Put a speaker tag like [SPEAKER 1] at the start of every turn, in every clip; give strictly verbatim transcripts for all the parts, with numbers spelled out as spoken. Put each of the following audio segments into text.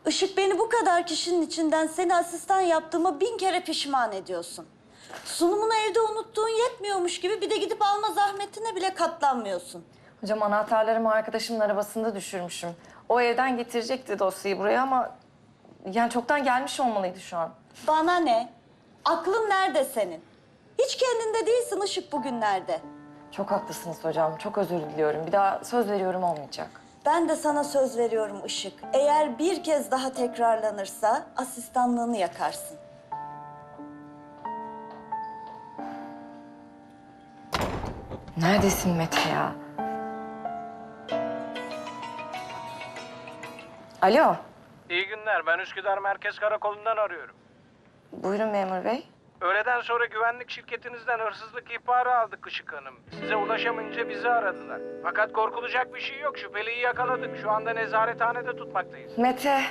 [SPEAKER 1] Işık, beni bu kadar kişinin içinden seni asistan yaptığıma bin kere pişman ediyorsun. Sunumunu evde unuttuğun yetmiyormuş gibi bir de gidip alma zahmetine bile katlanmıyorsun.
[SPEAKER 2] Hocam anahtarlarımı arkadaşımın arabasında düşürmüşüm. O evden getirecekti dosyayı buraya ama... yani çoktan gelmiş olmalıydı şu an.
[SPEAKER 1] Bana ne? Aklın nerede senin? Hiç kendinde değilsin Işık bugünlerde.
[SPEAKER 2] Çok haklısınız hocam. Çok özür diliyorum. Bir daha söz veriyorum olmayacak.
[SPEAKER 1] Ben de sana söz veriyorum Işık. Eğer bir kez daha tekrarlanırsa asistanlığını yakarsın.
[SPEAKER 2] Neredesin Mete ya? Alo.
[SPEAKER 3] İyi günler. Ben Üsküdar Merkez Karakolu'ndan arıyorum.
[SPEAKER 2] Buyurun memur bey.
[SPEAKER 3] Öğleden sonra güvenlik şirketinizden hırsızlık ihbarı aldık Işık Hanım. Size ulaşamayınca bizi aradılar. Fakat korkulacak bir şey yok. Şüpheliyi yakaladık. Şu anda nezarethanede tutmaktayız.
[SPEAKER 2] Mete.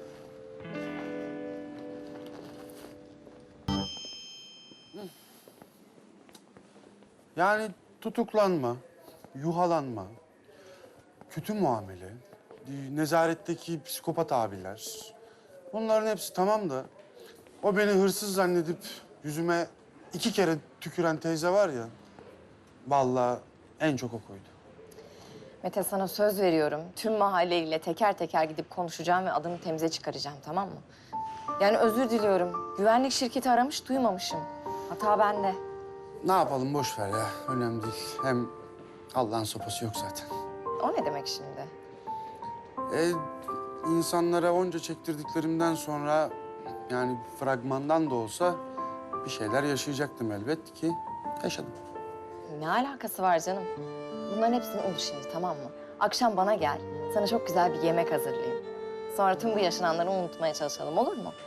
[SPEAKER 4] Yani tutuklanma, yuhalanma, kötü muamele, nezaretteki psikopat abiler. Bunların hepsi tamam da o beni hırsız zannedip yüzüme iki kere tüküren teyze var ya, vallahi en çok o koydu.
[SPEAKER 2] Mete sana söz veriyorum. Tüm mahalleyle teker teker gidip konuşacağım ve adını temize çıkaracağım, tamam mı? Yani özür diliyorum. Güvenlik şirketi aramış, duymamışım. Hata bende.
[SPEAKER 4] Ne yapalım, boş ver ya, önemli değil. Hem Allah'ın sopası yok zaten.
[SPEAKER 2] O ne demek şimdi?
[SPEAKER 4] E, insanlara onca çektirdiklerimden sonra, yani fragmandan da olsa bir şeyler yaşayacaktım elbet ki yaşadım.
[SPEAKER 2] Ne alakası var canım? Bunların hepsini unut şimdi, tamam mı? Akşam bana gel. Sana çok güzel bir yemek hazırlayayım. Sonra tüm bu yaşananları unutmaya çalışalım, olur mu?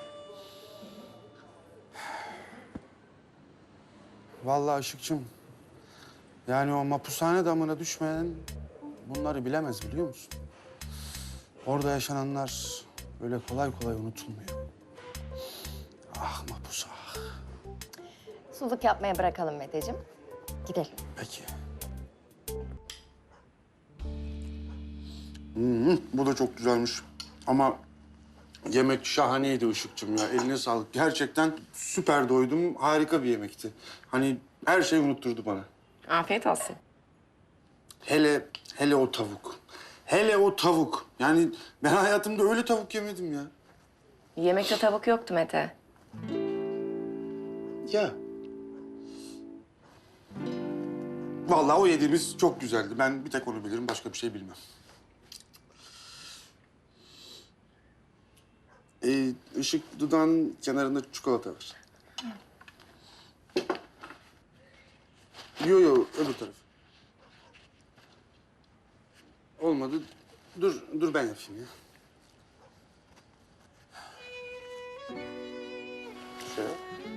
[SPEAKER 4] Vallahi Işıkçım, yani o mapushane damına düşmeyen bunları bilemez, biliyor musun? Orada yaşananlar böyle kolay kolay unutulmuyor. Ah mapus ah.
[SPEAKER 2] Suluk yapmaya bırakalım Meteciğim. Gidelim.
[SPEAKER 4] Peki. Hmm, bu da çok güzelmiş. Ama yemek şahaneydi Işıkçım ya. Eline sağlık. Gerçekten süper doydum. Harika bir yemekti. Hani her şeyi unutturdu bana.
[SPEAKER 2] Afiyet olsun.
[SPEAKER 4] Hele, hele o tavuk. Hele o tavuk. Yani ben hayatımda öyle tavuk yemedim ya.
[SPEAKER 2] Yemekte tavuk yoktu Mete.
[SPEAKER 4] Ya. Vallahi o yediğimiz çok güzeldi. Ben bir tek onu bilirim, başka bir şey bilmem. Ee, ışık dudağın kenarında çikolata var. Yo yo, öbür taraf. Olmadı. Dur, dur ben yapayım ya. Şöyle.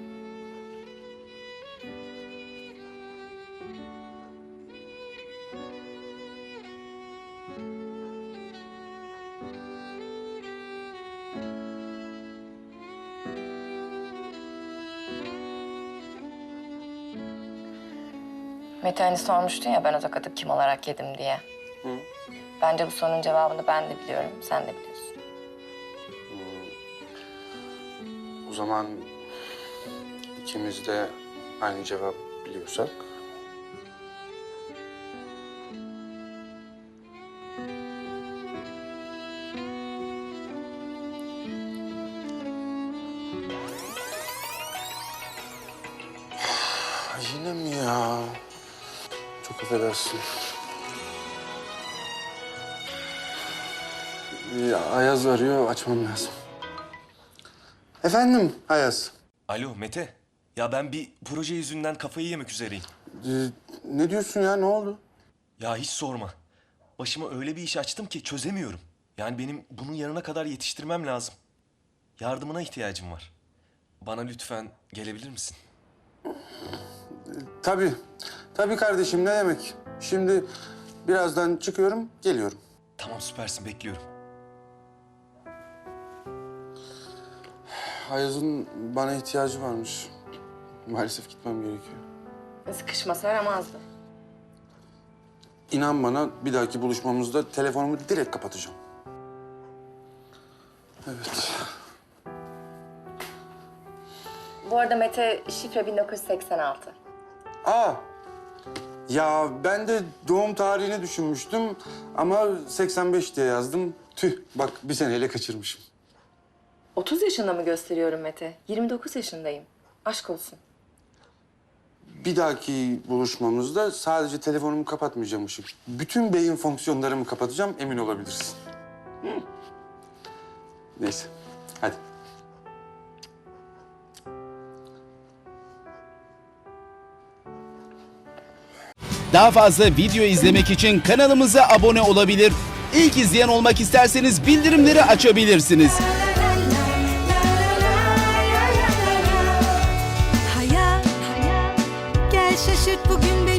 [SPEAKER 2] Mete hani sormuştun ya ben o tokatı kim olarak yedim diye.
[SPEAKER 4] Hı.
[SPEAKER 2] Bence bu sorunun cevabını ben de biliyorum, sen de biliyorsun.
[SPEAKER 4] O zaman ikimiz de aynı cevap biliyorsak. Yine mi ya? Çok affedersin. Ya, Ayaz arıyor, açmam lazım. Efendim Ayaz.
[SPEAKER 5] Alo Mete. Ya ben bir proje yüzünden kafayı yemek üzereyim.
[SPEAKER 4] Ee, ne diyorsun ya, ne oldu?
[SPEAKER 5] Ya hiç sorma. Başıma öyle bir iş açtım ki çözemiyorum. Yani benim bunun yarına kadar yetiştirmem lazım. Yardımına ihtiyacım var. Bana lütfen gelebilir misin?
[SPEAKER 4] Tabii, tabii kardeşim, ne demek? Şimdi birazdan çıkıyorum, geliyorum.
[SPEAKER 5] Tamam süpersin bekliyorum.
[SPEAKER 4] Ayaz'ın bana ihtiyacı varmış. Maalesef gitmem gerekiyor.
[SPEAKER 2] Sıkışmasa aramazdı.
[SPEAKER 4] İnan bana, bir dahaki buluşmamızda telefonumu direkt kapatacağım. Evet.
[SPEAKER 2] Bu arada Mete şifre bin dokuz yüz seksen altı.
[SPEAKER 4] Aa, ya ben de doğum tarihini düşünmüştüm ama seksen beş diye yazdım. Tüh, bak bir seneyle kaçırmışım.
[SPEAKER 2] otuz yaşında mı gösteriyorum Mete? yirmi dokuz yaşındayım. Aşk olsun.
[SPEAKER 4] Bir dahaki buluşmamızda sadece telefonumu kapatmayacağım Işık. Bütün beyin fonksiyonlarımı kapatacağım, emin olabilirsin. Hı. Neyse, hadi.
[SPEAKER 6] Daha fazla video izlemek için kanalımıza abone olabilir. İlk izleyen olmak isterseniz bildirimleri açabilirsiniz.
[SPEAKER 7] Hayat, hayat, gel şaşırt bugün beni.